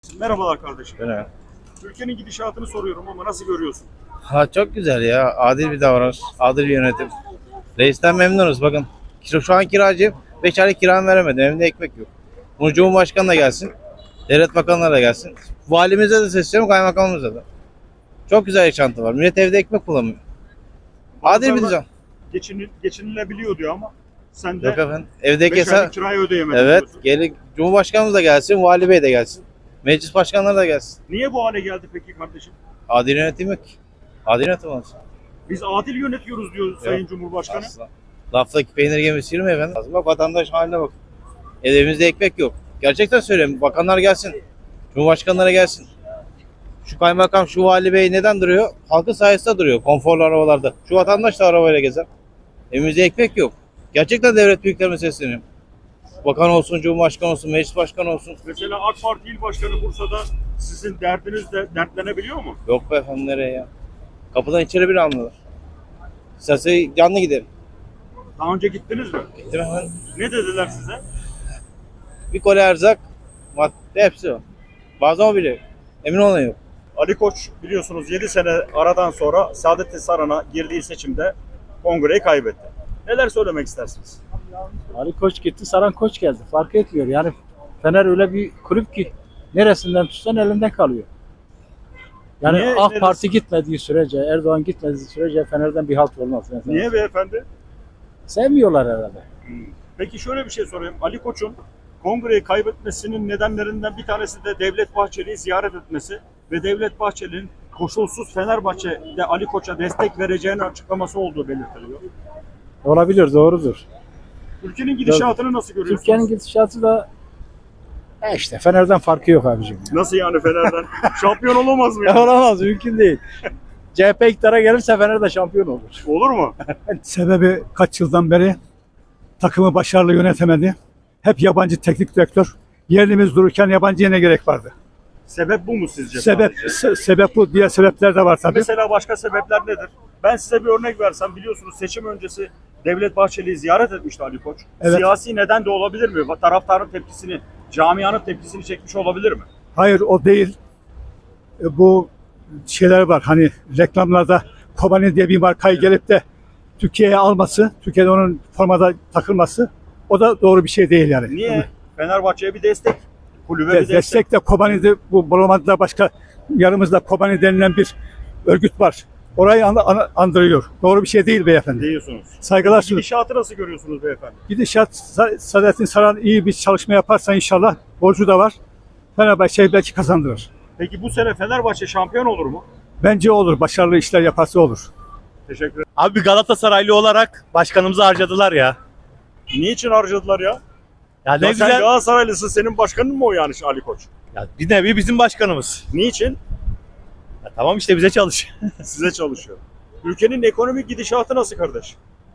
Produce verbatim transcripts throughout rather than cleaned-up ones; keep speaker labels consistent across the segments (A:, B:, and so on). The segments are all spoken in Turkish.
A: Merhabalar kardeşim.
B: Öyle.
A: Ülkenin gidişatını soruyorum ama nasıl görüyorsun?
B: Ha, çok güzel ya. Adil bir davranış, adil bir yönetim. Reisten memnunuz bakın. Kira- Şu an kiracıyım. beş aylık kiramı veremedim. Evimde ekmek yok. Bunu Cumhurbaşkanı da gelsin. Devlet bakanları da gelsin. Valimize de sesleniyorum, kaymakamımıza da. Çok güzel yaşantı var. Millet evde ekmek bulamıyor. Adil bir
A: Bazıları
B: düzen.
A: Geçinil, geçinilebiliyor diyor ama sen de
B: Yok efendim. Evdeki
A: beş
B: hesap...
A: aylık kirayı ödeyemedin
B: Evet.
A: diyorsun.
B: Gelin, Cumhurbaşkanımız da gelsin, Vali Bey de gelsin. Meclis başkanları da gelsin.
A: Niye bu hale geldi peki kardeşim?
B: Adil yönetim yok ki. Adil yönetim olsun.
A: Biz adil yönetiyoruz diyor Sayın Cumhurbaşkanı.
B: Asla. Laftaki peynir gemisi yürüme efendim. Bak vatandaş haline bak. Evimizde ekmek yok. Gerçekten söylüyorum. Bakanlar gelsin. Cumhurbaşkanları gelsin. Şu kaymakam, şu vali bey neden duruyor? Halkın sayesinde duruyor. Konforlu arabalarda. Şu vatandaş da arabayla gezer. Evimizde ekmek yok. Gerçekten devlet büyüklerime sesleniyorum. Bakan olsun, cumhurbaşkanı olsun, meclis başkanı olsun.
A: Mesela AK Parti İl Başkanı Bursa'da sizin derdiniz de dertlenebiliyor mu?
B: Yok be efendim, nereye ya? Kapıdan içeri bile almıyorlar. İsterse canlı giderim.
A: Daha önce gittiniz mi?
B: Gittim efendim.
A: Ne dediler size?
B: Bir koli erzak, madde hepsi var. Bazen o bile. Emin olun yok.
A: Ali Koç biliyorsunuz yedi sene aradan sonra Saadettin Saran'a girdiği seçimde kongreyi kaybetti. Neler söylemek istersiniz?
C: Ali Koç gitti, Saran Koç geldi. Fark etmiyor. Yani Fener öyle bir kulüp ki neresinden tutsan elinden kalıyor. Yani
A: Niye,
C: AK
A: neresi?
C: Parti gitmediği sürece, Erdoğan gitmediği sürece Fener'den bir halt olmaz. Yani
A: Niye beyefendi?
C: sevmiyorlar herhalde.
A: Peki şöyle bir şey sorayım. Ali Koç'un kongreyi kaybetmesinin nedenlerinden bir tanesi de Devlet Bahçeli'yi ziyaret etmesi ve Devlet Bahçeli'nin koşulsuz Fenerbahçe'de Ali Koç'a destek vereceğini açıklaması olduğu belirtiliyor.
C: Olabilir, doğrudur.
A: Ülkenin gidişatını nasıl görüyorsunuz?
C: Türkiye'nin gidişatı da e işte Fener'den farkı yok abicim.
A: Nasıl yani Fener'den? Şampiyon olamaz mı?
C: Ya
A: Yani?
C: olamaz, mümkün değil. C H P iktidara gelirse Fener de şampiyon olur.
A: Olur mu?
D: Sebebi kaç yıldan beri takımı başarılı yönetemedi. Hep yabancı teknik direktör. Yerimiz dururken yabancıya ne gerek vardı?
A: Sebep bu mu sizce?
D: Sebep
A: sadece?
D: se- sebep bu. Diğer sebepler de var tabii.
A: Mesela başka sebepler nedir? Ben size bir örnek versem, biliyorsunuz seçim öncesi Devlet Bahçeli'yi ziyaret etmişti Ali Koç.
D: Evet.
A: Siyasi neden de olabilir mi? Taraftarın tepkisini, camianın tepkisini çekmiş olabilir mi?
D: Hayır, o değil. E, Bu şeyler var. Hani reklamlarda Kobani diye bir markayı gelip de Türkiye'ye alması, Türkiye'de onun formada takılması, o da doğru bir şey değil yani.
A: Niye? Fenerbahçe'ye bir destek, kulübe
D: De-
A: bir destek.
D: destek de Kobani'de, bu Bolomada'da başka yanımızda Kobani denilen bir örgüt var. Orayı an- an- andırıyor. Doğru bir şey değil beyefendi.
A: diyorsunuz.
D: Saygılar sunuyorum.
A: Gidişatı nasıl görüyorsunuz beyefendi?
D: Gidişat, Sa- Saadettin Saran iyi bir çalışma yaparsa inşallah, borcu da var. Fenerbahçe belki kazandırır.
A: Peki bu sene Fenerbahçe şampiyon olur mu?
D: Bence olur. Başarılı işler yaparsa olur.
A: Teşekkür ederim.
E: Abi Galatasaraylı olarak başkanımızı harcadılar ya.
A: Niçin harcadılar ya?
E: Ya ne
A: Ya sen
E: güzel.
A: Galatasaraylısın, senin başkanın mı o yani Ali Koç?
E: Ya bir nevi bizim başkanımız.
A: Niçin?
E: Ya tamam işte bize çalış.
A: Size çalışıyor. Ülkenin ekonomik gidişatı nasıl kardeş?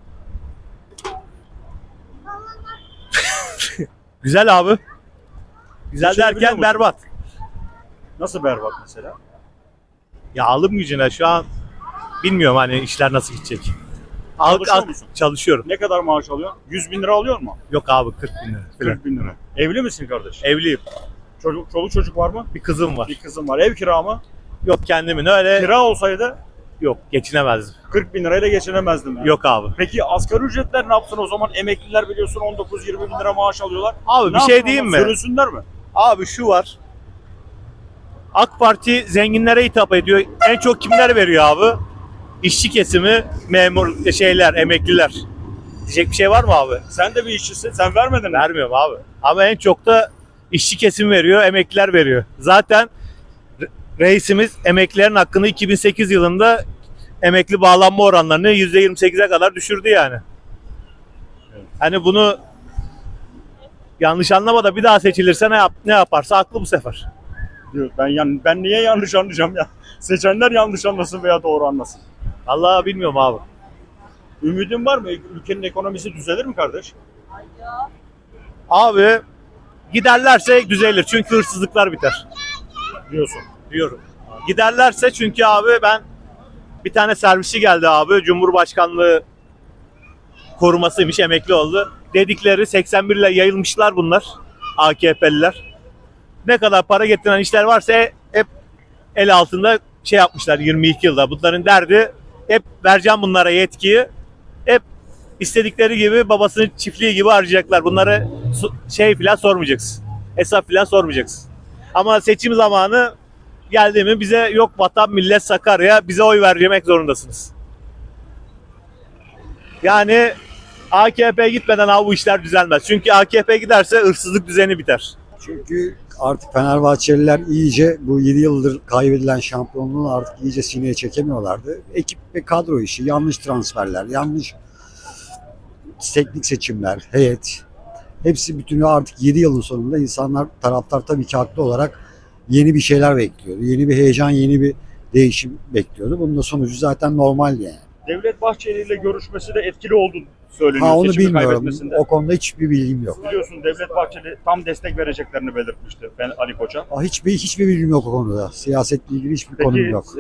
E: Güzel abi. Güzel
A: Geçinebiliyor
E: derken
A: musun?
E: berbat.
A: Nasıl berbat mesela?
E: Ya alım gücüne şu an bilmiyorum hani işler nasıl gidecek. Al,
A: Çalışıyor
E: al-
A: musun?
E: çalışıyorum.
A: Ne kadar maaş alıyorsun? yüz bin lira alıyor mu?
E: Yok abi kırk bin lira. falan.
A: kırk bin lira. Evli misin kardeş?
E: Evliyim.
A: Çocuk, çoluk çocuk var mı?
E: Bir kızım var.
A: Bir kızım var. Ev kira mı?
E: Yok kendimin öyle.
A: Kira olsaydı
E: Yok geçinemezdim.
A: kırk bin lirayla geçinemezdim yani.
E: Yok abi.
A: Peki asgari ücretler ne yapsın o zaman? Emekliler biliyorsun on dokuz yirmi bin lira maaş alıyorlar.
E: Abi
A: Ne
E: bir şey
A: yapsın
E: diyeyim
A: onlar?
E: mi?
A: Sürünsünler mi?
E: Abi şu var. AK Parti zenginlere hitap ediyor. En çok kimler veriyor abi? İşçi kesimi, memur şeyler, emekliler. Diyecek bir şey var mı abi?
A: Sen de bir işçisin. Sen vermedin mi?
E: Vermiyorum abi. Ama en çok da işçi kesim veriyor, emekliler veriyor. Zaten re- reisimiz emeklilerin hakkını iki bin sekiz yılında emekli bağlanma oranlarını yüzde yirmi sekize kadar düşürdü yani. Hani bunu yanlış anlama da bir daha seçilirse ne yap ne yaparsa haklı bu sefer.
A: Diyor. Ben yan, ben niye yanlış anlayacağım ya? Seçenler yanlış anlasın veya doğru anlasın.
E: Vallahi bilmiyorum abi.
A: Ümidin var mı? Ülkenin ekonomisi düzelir mi kardeş?
E: Abi giderlerse düzelir çünkü hırsızlıklar biter
A: Diyorsun.
E: diyorum. Giderlerse çünkü abi ben bir tane servisi geldi abi Cumhurbaşkanlığı korumasıymış emekli oldu. Dedikleri seksen bir ile yayılmışlar bunlar A K P'liler. Ne kadar para getiren işler varsa hep el altında şey yapmışlar yirmi iki yılda. Bunların derdi hep vereceğim bunlara yetkiyi. Hep istedikleri gibi babasının çiftliği gibi harcayacaklar. Bunları şey filan sormayacaksın. Hesap filan sormayacaksın. Ama seçim zamanı geldi mi bize yok vatan millet Sakarya bize oy vermek zorundasınız. Yani A K P gitmeden abi bu işler düzelmez. Çünkü A K P giderse hırsızlık düzeni biter.
F: Çünkü artık Fenerbahçeliler iyice bu yedi yıldır kaybedilen şampiyonluğu artık iyice sineye çekemiyorlardı. Ekip ve kadro işi, yanlış transferler, yanlış teknik seçimler, heyet. Hepsi bütünü artık yedi yılın sonunda insanlar, taraftar tabii ki haklı olarak yeni bir şeyler bekliyordu. Yeni bir heyecan, yeni bir değişim bekliyordu. Bunun da sonucu zaten normal yani.
A: Devlet Bahçeli ile görüşmesi de etkili oldu söyleniyor
F: Ha onu
A: seçimi
F: bilmiyorum.
A: kaybetmesinde.
F: O konuda hiçbir bilgim yok.
A: Biliyorsun Devlet Bahçeli tam destek vereceklerini belirtmişti ben Ali Koç'a.
F: Aa, Hiçbir hiçbir bilgim yok o konuda. Siyasetle ilgili hiçbir konum
A: Peki
F: yok.
A: e,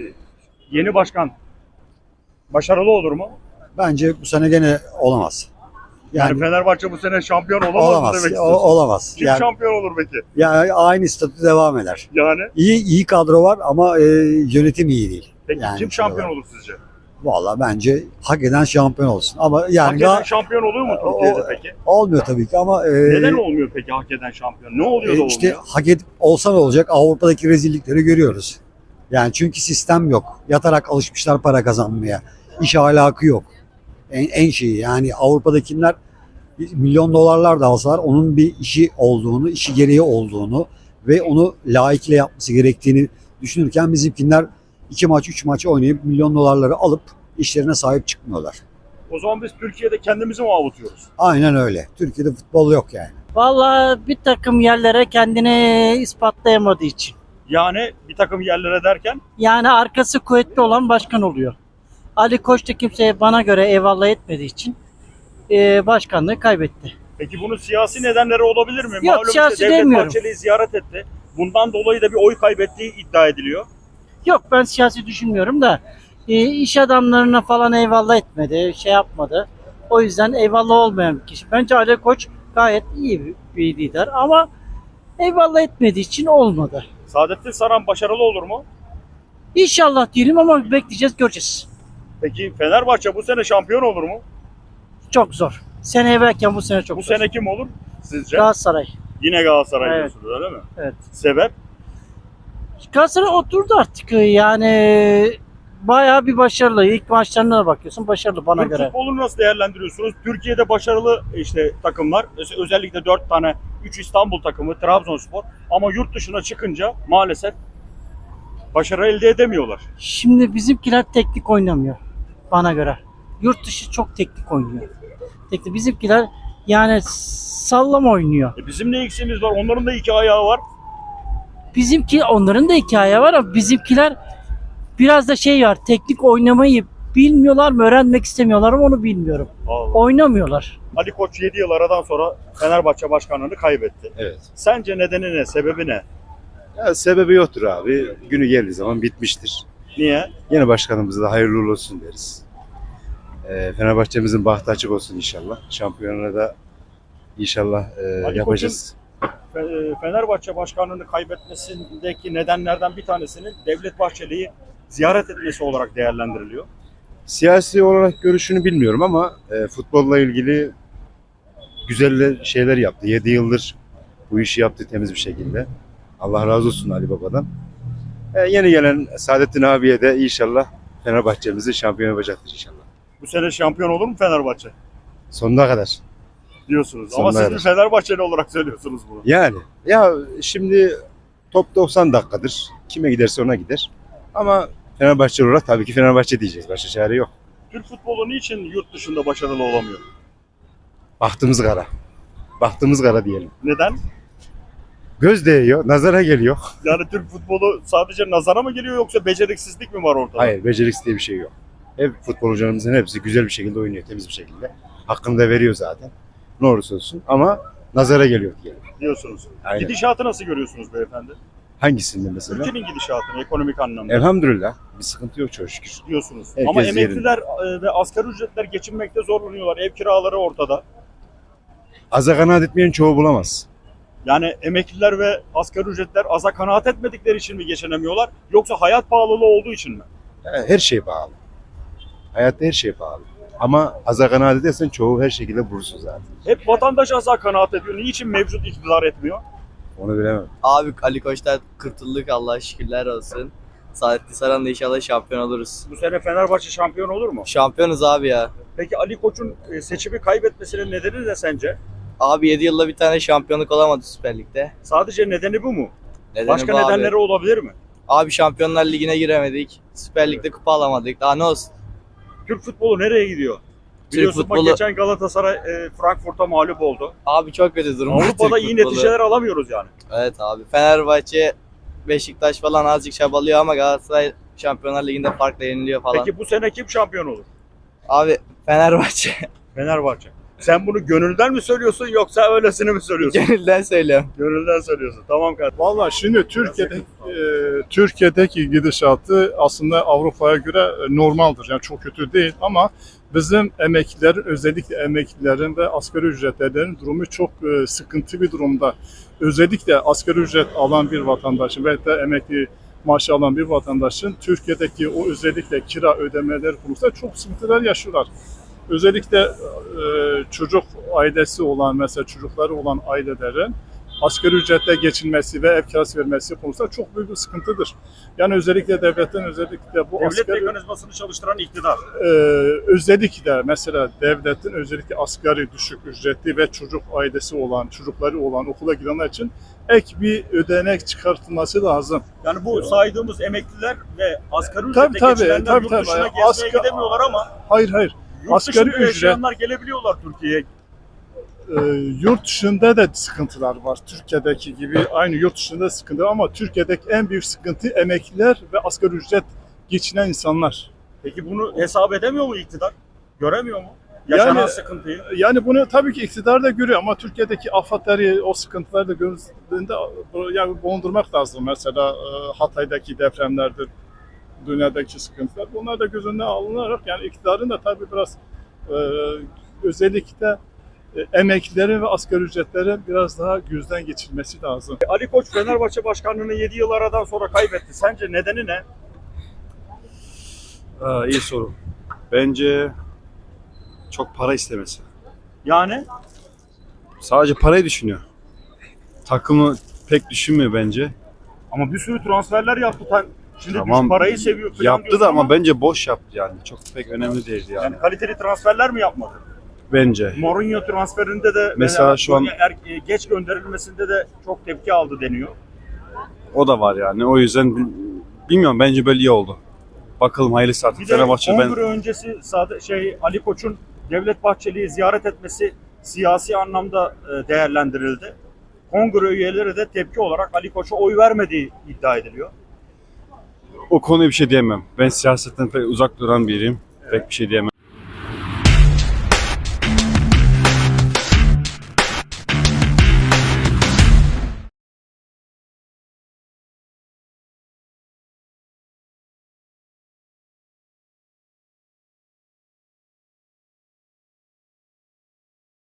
A: yeni başkan başarılı olur mu?
F: Bence bu sene gene olamaz.
A: Yani,
F: Yani,
A: Fenerbahçe bu sene şampiyon olamaz, mı
F: olamaz.
A: demek
F: O-
A: istiyorsun?
F: olamaz.
A: Kim
F: Yani,
A: şampiyon olur peki?
F: yani aynı statü devam eder.
A: Yani
F: İyi iyi kadro var ama e, yönetim iyi değil.
A: peki
F: Yani
A: kim
F: şey
A: şampiyon
F: olarak.
A: olur sizce?
F: Valla bence hak eden şampiyon olsun. Ama yani
A: Hak eden
F: daha
A: şampiyon oluyor mu
F: O-
A: Türkiye'de peki?
F: olmuyor tabii ki ama e,
A: Neden olmuyor peki hak eden şampiyon? Ne oluyor da
F: e, işte
A: olmuyor?
F: hak edip olsa ne olacak? Avrupa'daki rezillikleri görüyoruz. Yani çünkü sistem yok. Yatarak alışmışlar para kazanmaya. İş ahlakı yok. En, en şeyi yani Avrupa'dakiler milyon dolarlar da alsalar onun bir işi olduğunu, işi gereği olduğunu ve onu layıkıyla yapması gerektiğini düşünürken bizimkiler iki maç, üç maç oynayıp milyon dolarları alıp işlerine sahip çıkmıyorlar.
A: O zaman biz Türkiye'de kendimizi mi avutuyoruz?
F: Aynen öyle. Türkiye'de futbol yok yani.
G: Vallahi bir takım yerlere kendini ispatlayamadığı için.
A: Yani bir takım yerlere derken
G: Yani arkası kuvvetli olan başkan oluyor. Ali Koç da kimseye bana göre eyvallah etmediği için e, başkanlığı kaybetti.
A: peki bunun siyasi nedenleri olabilir mi?
G: Yok,
A: Malum
G: siyasi
A: işte Devlet
G: demiyorum.
A: Bahçeli'yi ziyaret etti. Bundan dolayı da bir oy kaybettiği iddia ediliyor.
G: Yok ben siyasi düşünmüyorum da e, iş adamlarına falan eyvallah etmedi, şey yapmadı. O yüzden eyvallah olmayan bir kişi. Bence Ali Koç gayet iyi bir, bir lider ama eyvallah etmediği için olmadı.
A: Saadettin Saran başarılı olur mu?
G: İnşallah diyelim ama bekleyeceğiz, göreceğiz.
A: Peki Fenerbahçe bu sene şampiyon olur mu?
G: Çok zor. Sene evvelken bu sene çok
A: Bu
G: zor.
A: sene kim olur sizce?
G: Galatasaray.
A: Yine Galatasaray
G: Evet.
A: diyorsunuz öyle mi?
G: Evet.
A: Sebep?
G: Galatasaray oturdu artık yani bayağı bir başarılı. İlk maçlarına da bakıyorsun başarılı bana
A: Türk
G: göre.
A: futbolunu nasıl değerlendiriyorsunuz? Türkiye'de başarılı işte takımlar, öz- özellikle dört tane, üç İstanbul takımı, Trabzonspor ama yurt dışına çıkınca maalesef başarı elde edemiyorlar.
G: Şimdi bizimkiler teknik oynamıyor bana göre. Yurt dışı çok teknik oynuyor. Teknik. Bizimkiler yani sallama oynuyor.
A: E bizim ne eksiğimiz var? Onların da iki ayağı var.
G: Bizimki onların da hikaye var ama bizimkiler biraz da şey var. Teknik oynamayı bilmiyorlar mı? Öğrenmek istemiyorlar mı? Onu bilmiyorum.
A: Allah.
G: Oynamıyorlar.
A: Ali Koç yedi yıl aradan sonra Fenerbahçe başkanlığını kaybetti.
H: Evet.
A: Sence nedeni ne? Sebebi ne?
H: Ya sebebi yoktur abi. Günü geldiği zaman bitmiştir.
A: Niye?
H: Yeni başkanımıza da hayırlı uğurlu olsun deriz. Ee, Fenerbahçe'mizin bahtı açık olsun inşallah. Şampiyonuna da inşallah e,
A: Ali
H: yapacağız.
A: Fe- Fenerbahçe başkanlığını kaybetmesindeki nedenlerden bir tanesinin Devlet Bahçeli'yi ziyaret etmesi olarak değerlendiriliyor.
H: Siyasi olarak görüşünü bilmiyorum ama e, futbolla ilgili güzel şeyler yaptı. yedi yıldır bu işi yaptı temiz bir şekilde. Allah razı olsun Ali Baba'dan. E, yeni gelen Saadettin abiye de inşallah Fenerbahçe'mizi şampiyon yapacaktır inşallah.
A: Bu sene şampiyon olur mu Fenerbahçe?
H: Sonuna kadar.
A: Diyorsunuz.
H: Sonuna
A: Ama siz
H: kadar.
A: bir Fenerbahçeli olarak söylüyorsunuz bunu.
H: Yani ya şimdi top doksan dakikadır. Kime giderse ona gider. Ama Fenerbahçe olarak tabii ki Fenerbahçe diyeceğiz. Başka çare yok.
A: Türk futbolu niçin yurt dışında başarılı olamıyor?
H: Bahtımız kara. Bahtımız kara diyelim.
A: Neden?
H: Göz değiyor, nazara geliyor.
A: Yani Türk futbolu sadece nazara mı geliyor yoksa beceriksizlik mi var ortada?
H: Hayır, beceriksiz diye bir şey yok. Hep futbolcularımızın hepsi güzel bir şekilde oynuyor, temiz bir şekilde. Hakkını da veriyor zaten. Ne olursa olsun ama nazara geliyor diyelim.
A: Diyorsunuz.
H: Aynen.
A: Gidişatı nasıl görüyorsunuz beyefendi?
H: Hangisinde mesela?
A: Ülkenin gidişatını ekonomik anlamda
H: Elhamdülillah. Bir sıkıntı yok çok şükür.
A: diyorsunuz.
H: Herkes
A: Ama emekliler e, ve asgari ücretler geçinmekte zorlanıyorlar. Ev kiraları ortada.
H: Aza kanaat etmeyen çoğu bulamaz.
A: Yani emekliler ve asgari ücretler aza kanaat etmedikleri için mi geçinemiyorlar? Yoksa hayat pahalılığı olduğu için mi?
H: Her şey pahalı. Hayatta her şey pahalı. Ama aza kanaat edersen çoğu her şekilde bulursun zaten.
A: Hep vatandaş aza kanaat ediyor. Niçin mevcut iktidar etmiyor?
H: Onu bilemem.
I: Abi Ali Koç'tan kurtulduk, Allah'a şükürler olsun. Saadetli Saran'la inşallah şampiyon oluruz.
A: Bu sene Fenerbahçe şampiyon olur mu?
I: Şampiyonuz abi ya.
A: Peki Ali Koç'un e, seçimi kaybetmesinin nedeni ne sence?
I: Abi yedi yılda bir tane şampiyonluk olamadı Süper Lig'de.
A: Sadece nedeni bu mu?
I: Nedeni
A: Başka
I: bu abi.
A: nedenleri olabilir mi?
I: Abi Şampiyonlar Ligi'ne giremedik. Süper Lig'de kupa alamadık. Daha ne olsun?
A: Türk futbolu nereye gidiyor? Biliyorsun bak
I: futbolu-
A: geçen Galatasaray e, Frankfurt'a mağlup oldu.
I: Abi çok kötü durum.
A: Avrupa'da
I: Türk
A: iyi
I: futbolu.
A: neticeler alamıyoruz yani.
I: Evet abi. Fenerbahçe, Beşiktaş falan azıcık çabalıyor ama Galatasaray Şampiyonlar Ligi'nde farkla yeniliyor falan.
A: Peki bu sene kim şampiyon olur?
I: Abi Fenerbahçe.
A: Fenerbahçe. Sen bunu gönülden mi söylüyorsun yoksa öylesine mi söylüyorsun?
I: Gönülden söylüyorum.
A: Gönülden söylüyorsun. Tamam kardeşim.
J: Valla şimdi Türkiye'de e, Türkiye'deki gidişatı aslında Avrupa'ya göre e, normaldir. Yani çok kötü değil ama bizim emeklilerin, özellikle emeklilerin ve asgari ücretlilerin durumu çok e, sıkıntı bir durumda. Özellikle asgari ücret alan bir vatandaşın ve de emekli maaşı alan bir vatandaşın Türkiye'deki o özellikle kira ödemeleri konusunda çok sıkıntılar yaşıyorlar. Özellikle e, çocuk ailesi olan, mesela çocukları olan ailelerin asgari ücretle geçinmesi ve ev kirası vermesi konusunda çok büyük bir sıkıntıdır. Yani özellikle devletin özellikle bu
A: Devlet
J: asgari,
A: mekanizmasını çalıştıran iktidar.
J: e, özellikle mesela devletin özellikle asgari düşük ücretli ve çocuk ailesi olan, çocukları olan okula gidenler için ek bir ödenek çıkartılması lazım.
A: Yani bu saydığımız emekliler ve asgari
J: Tabii,
A: ücretle
J: tabii,
A: geçinenler
J: tabii,
A: yurt
J: tabii.
A: dışına gezmeye
J: Asgari-
A: gidemiyorlar ama
J: Hayır hayır.
A: yurt
J: Asgari
A: dışında
J: ücret-
A: yaşayanlar gelebiliyorlar Türkiye'ye.
J: Ee, yurt dışında da sıkıntılar var. Türkiye'deki gibi aynı yurt dışında sıkıntı ama Türkiye'deki en büyük sıkıntı emekliler ve asgari ücret geçinen insanlar.
A: Peki bunu hesap edemiyor mu iktidar? Göremiyor mu? Yaşanan
J: Yani-
A: sıkıntıyı.
J: Yani bunu tabii ki iktidar da görüyor ama Türkiye'deki afatları, o sıkıntıları da gözünde yani bulundurmak lazım. Mesela e, Hatay'daki depremlerdir, dünyadaki sıkıntılar. Bunlar da göz önüne alınarak yani iktidarın da tabii biraz e, özellikle e, emeklilerin ve asgari ücretlerin biraz daha gözden geçirilmesi lazım.
A: Ali Koç Fenerbahçe başkanlığını yedi yıl aradan sonra kaybetti. Sence nedeni ne?
K: Aa, iyi soru. Bence çok para istemesi.
A: Yani
K: Sadece parayı düşünüyor. Takımı pek düşünmüyor bence.
A: ama bir sürü transferler yaptı. Tam- Şimdi
K: Tamam,
A: biz parayı seviyor falan
K: Yaptı
A: diyorsun
K: da ama bence boş yaptı yani. Çok pek önemli değildi yani.
A: yani kaliteli transferler mi yapmadı?
K: Bence.
A: Mourinho transferinde de
K: Mesela şu an-
A: er- geç gönderilmesinde de çok tepki aldı deniyor.
K: O da var yani. O yüzden bil- bilmiyorum, bence böyle iyi oldu. Bakalım hayırlısı artık.
A: Bir de
K: Fenerbahçe ben
A: kongre öncesi Sadı- şey Ali Koç'un Devlet Bahçeli'yi ziyaret etmesi siyasi anlamda e, değerlendirildi. Kongre üyeleri de tepki olarak Ali Koç'a oy vermediği iddia ediliyor.
K: o konuya bir şey diyemem. Ben siyasetten pek uzak duran biriyim. Pek bir şey diyemem.